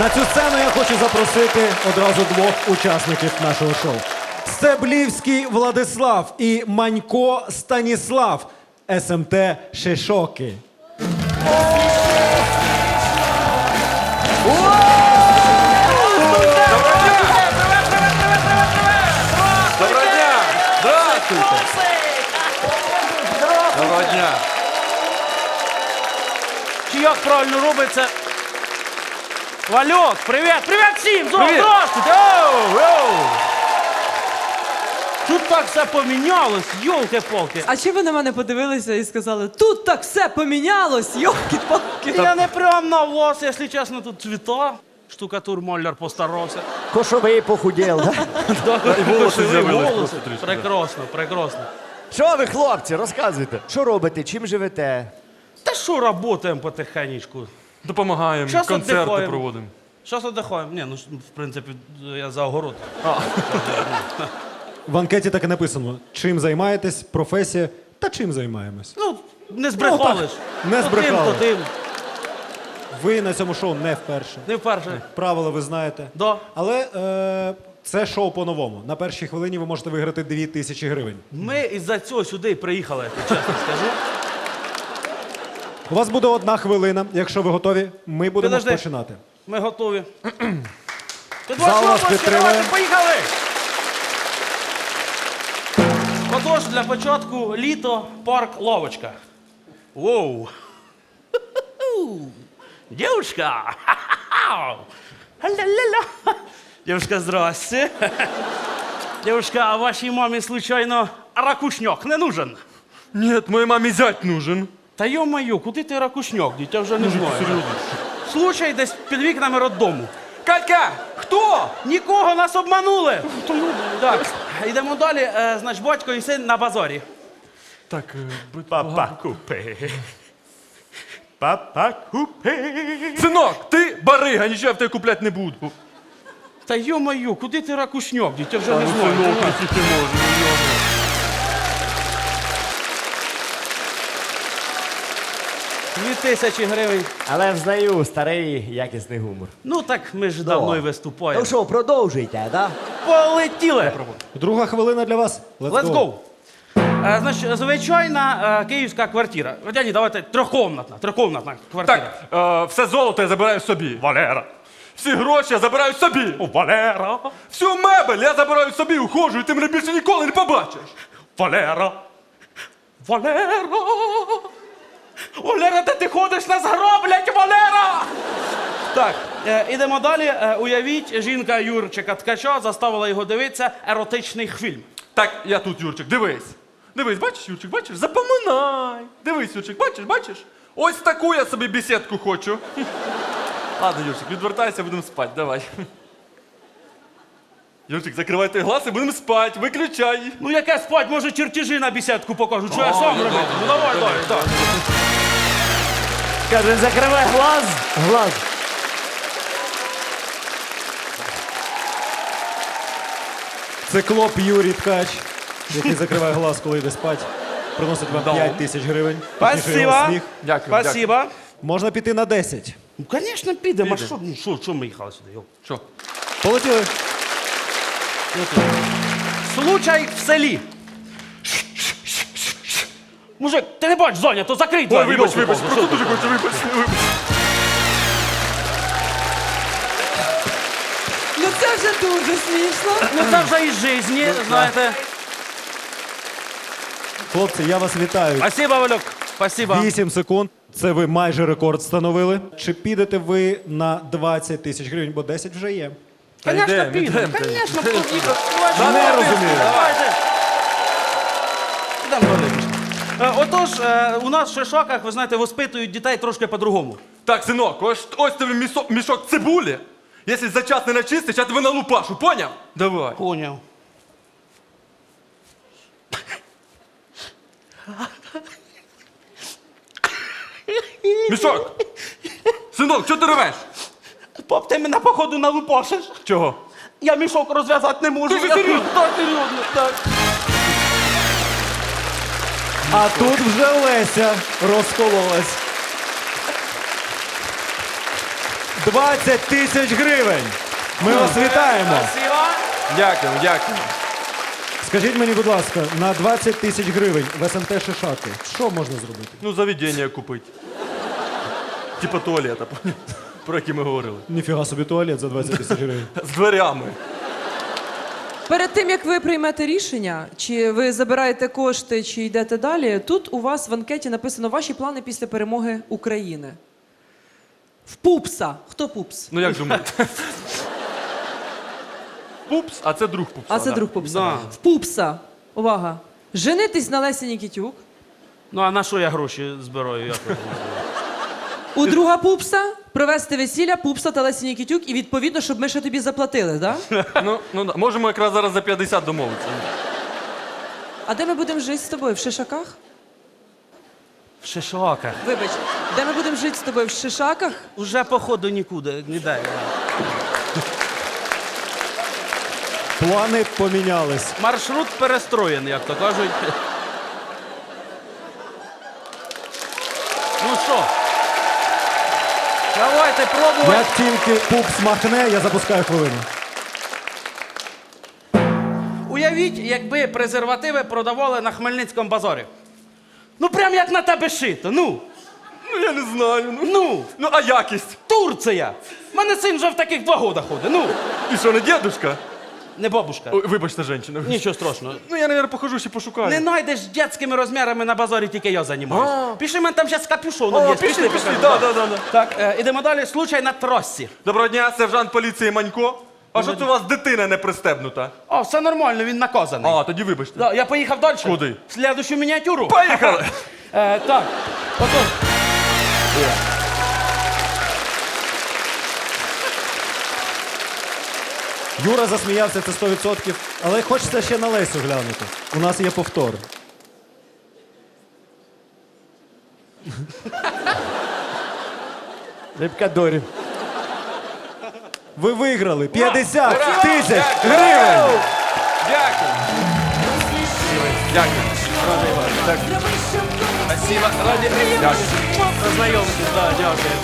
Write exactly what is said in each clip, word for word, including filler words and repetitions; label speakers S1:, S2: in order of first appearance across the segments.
S1: На цю сцену я хочу запросити одразу двох учасників нашого шоу. Стеблівський Владислав і Манько Станіслав, ес ем те Шишоки.
S2: Доброго дня! Здравствуйте! Доброго дня!
S3: Чи як правильно робиться? Вальок, привіт! Привіт всім! Зо,
S2: Привіт!
S3: здравствуйте! Оу, оу. Тут так все помінялось, йолки-палки.
S4: А чи ви на мене подивилися і сказали, тут так все помінялось, йолки-палки.
S3: Я не прям на вас, якщо чесно, тут цвіта. Штукатур Моллер постарався.
S5: Кошовий похудів, да?
S2: І волоси
S3: Кошовий
S2: з'явились
S3: волоси.
S2: просто трішки.
S3: Прекрасно, прекрасно.
S5: Що ви, хлопці, розказуйте? Що робите, чим живете?
S3: Та що работаємо потихенечку?
S2: Допомагаємо,
S3: Щас
S2: концерти
S3: віддихаємо.
S2: проводимо.
S3: Щас віддихаємо. Ні, ну, в принципі, я за огород.
S1: В анкеті так і написано: чим займаєтесь, професія та чим займаємось.
S3: Ну, не збрехали ж.
S1: не
S3: То
S1: збрехали.
S3: Тим, то тим.
S1: Ви на цьому шоу не вперше.
S3: Не вперше.
S1: Правила ви знаєте.
S3: Да.
S1: Але е, це шоу по-новому. На першій хвилині ви можете виграти дві тисячі гривень.
S3: Ми із-за цього сюди і приїхали, чесно скажу.
S1: У вас буде одна хвилина. Якщо ви готові, ми будемо
S3: Підожди.
S1: починати.
S3: Ми готові.
S1: Зал вас підтримує.
S3: Давайте, поїхали! Отож, для початку літо, парк, лавочка. Воу! Дівчинка! Ля-ля-ля! Дівчинка, здрасте. Дівчинка, а вашій мамі, случайно, ракушньок не нужен?
S2: Ні, моїй мамі зять нужен.
S3: Та йо-моє, куди ти ракушньок, дітя вже не знаю. Случай десь під вікнами роддому.
S2: Катька, хто?
S3: Нікого, нас обманули. Так, йдемо далі. Е, значить, батько і син на базарі.
S2: Так, е, будь
S3: Папа купи. Папа купи.
S2: Синок, ти барига, нічого я в тебе купляти не буду.
S3: Та йо-моє, куди ти ракушньок, дітя вже не
S2: Ну,
S3: знаю.
S2: синок, який ти можеш, ну, його.
S3: Дві тисячі гривень.
S5: Але взнаю, старий якісний гумор.
S3: Ну так ми ж давно і виступаємо.
S5: Ну що, продовжуйте, да?
S3: Полетіли.
S1: Друга хвилина для вас.
S3: Let's go. Е, значить, звичайна е, київська квартира. Водяні, давайте трьохкомнатна, трьохкомнатна квартира.
S2: Так, е, все золото я забираю собі. Валера. Всі гроші я забираю собі.
S3: О, Валера.
S2: Всю мебель я забираю собі, ухожу, і ти мене більше ніколи не побачиш.
S3: Валера. Валера. Валера, де ти ходиш, нас гроблять, Валера! Так, е, ідемо далі. Е, уявіть, жінка Юрчика Ткача заставила його дивитися еротичний фільм.
S2: Так, я тут, Юрчик, дивись. Дивись, бачиш, Юрчик, бачиш? Запоминай. Дивись, Юрчик, бачиш, бачиш? Ось таку я собі бесідку хочу. Ладно, Юрчик, відвертайся, будемо спати, давай. Юрчик, закривай той глаз і будемо спати, виключай.
S3: Ну яке спать, може чертежі на бесідку покажу, що я сам робити? Ну давай, давай, давай.
S5: Каже, закривай глаз, глаз.
S1: Циклоп Юрій Ткач, який закриває глаз, коли йде спать. Приносить вам
S2: Да.
S1: п'ять тисяч гривень. Посміхує
S3: Спасибо.
S1: вас сміх.
S2: Дякую,
S3: Спасибо.
S1: Можна піти на десять.
S3: Ну, звісно, підемо. А що, ну, що, що ми їхали сюди? йоп?
S2: Що?
S1: Полетіли.
S3: Случай в селі. Мужик, ти не бачиш, зайнято, закрий двері.
S2: Ой, вибач,
S3: йолки-палки,
S2: вибач,
S3: що
S2: просто
S3: ти?
S2: дуже хочу, вибач, вибач.
S4: Ну це вже дуже смішно.
S3: Ну це вже із житті, знаєте.
S1: Хлопці, я вас вітаю.
S3: Спасибо, Валюк, спасибо.
S1: вісім секунд. Це ви майже рекорд встановили. Чи підете ви на двадцять тисяч гривень, бо десять вже є?
S3: Конечно,
S2: йдемо,
S3: підемо.
S2: йдемо.
S3: Конечно, поїдемо. Давайте.
S1: Не розумію.
S3: Давайте. Ідемо далі. Е, Отож, е, у нас в Шишоках, ви знаєте, воспитують дітей трошки по-другому.
S2: Так, синок, ось, ось тобі місо- мішок цибулі. Якщо за час не начистиш, я тебе налупашу, поняв? Давай.
S3: Поняв.
S2: Мішок! Синок, що ти ревеш?
S3: Пап, ти мене, походу, налупашиш.
S2: Чого?
S3: Я мішок розв'язати не можу.
S2: Ти
S3: Я-
S2: серйозно?
S3: Так, серйозно, так.
S1: А тут вже Леся розкололась. двадцять тисяч гривень. Ми вас вітаємо.
S3: Спасибо.
S2: Дякую, дякую.
S1: Скажіть мені, будь ласка, на двадцять тисяч гривень в ес ем те Шишаки, що можна зробити?
S2: Ну, заведення купити. Типа туалета, про який ми говорили.
S1: Ніфіга собі туалет за двадцять тисяч гривень.
S2: З дверями.
S4: Перед тим, як ви приймете рішення, чи ви забираєте кошти, чи йдете далі, тут у вас в анкеті написано ваші плани після перемоги України. В пупса. Хто пупс?
S2: Ну як думаєте? Пупс, а це друг пупса.
S4: А це
S2: да.
S4: друг пупса.
S3: Да.
S4: В пупса. Увага. Женитись на Лесі Нікітюк.
S3: Ну а на що я гроші збираю? Як ви думаєте?
S4: У друга пупса провести весілля пупса та Лесі Нікітюк і відповідно, щоб ми ще тобі заплатили, да?
S2: Ну, ну, да. Можемо якраз зараз за п'ятдесят домовитися.
S4: А де ми будемо жити з тобою? В Шишаках?
S3: В Шишаках.
S4: Вибач, де ми будемо жити з тобою? В Шишаках?
S3: Уже походу нікуди, ніде.
S1: Плани помінялись.
S3: Маршрут перестроєний, як то кажуть. Ну що? Давайте пробувати.
S1: Як тільки пупс махне, я запускаю хвилину.
S3: Уявіть, якби презервативи продавали на Хмельницькому базарі. Ну прям як на тебе шито, ну.
S2: Ну я не знаю. Ну,
S3: Ну,
S2: ну а якість?
S3: Турція. У мене син вже в таких два года ходить, ну.
S2: І що, не дідушка?
S3: Не бабушка.
S2: Ой, вибачте, жінка.
S3: Нічого страшного.
S2: Ну я, мабуть, похожу, ще пошукаю.
S3: Не знайдеш дядськими розмірами на базарі, тільки я займаюся.
S2: А.
S3: Пішли, мене там зараз з капюшоном
S2: О,
S3: є.
S2: пішли, пішли,
S3: покажу.
S2: да, да, да, да.
S3: Так, е, ідемо далі. Случай на тросі.
S2: Доброго дня, сержант поліції Манько. А що це у вас дитина не пристебнута?
S3: О, все нормально, він наказаний.
S2: А, тоді вибачте.
S3: Да, я поїхав далі.
S2: Куди?
S3: В слідущу мініатюру.
S2: Поїхали!
S3: Е, так, отож.
S1: Юра засміявся, це сто відсотків, але хочеться ще на Лесю глянути. У нас є повтор.
S5: Рибка Дорі.
S1: Ви виграли п'ятдесят
S2: Ура!
S1: тисяч
S2: Дякую!
S1: гривень!
S2: Дякую! Дякую. Радий вас. Так. Спасибо. Раді. Дякую.
S3: Познайомтесь, да, дякую.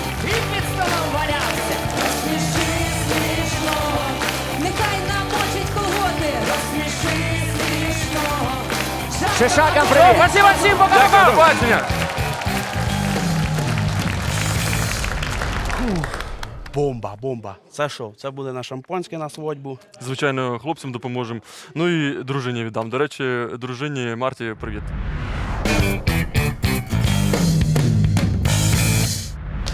S6: Нехай намочить колготи. Розсміши смішно.
S5: Шишакам привіт!
S3: Спасибо всім,
S2: Дякую, до
S3: пока-пока.
S2: бачення.
S3: Бомба, бомба. Це що? Це буде на шампанське на свадьбу.
S2: Звичайно, хлопцям допоможемо. Ну і дружині віддам. До речі, дружині Марті привіт.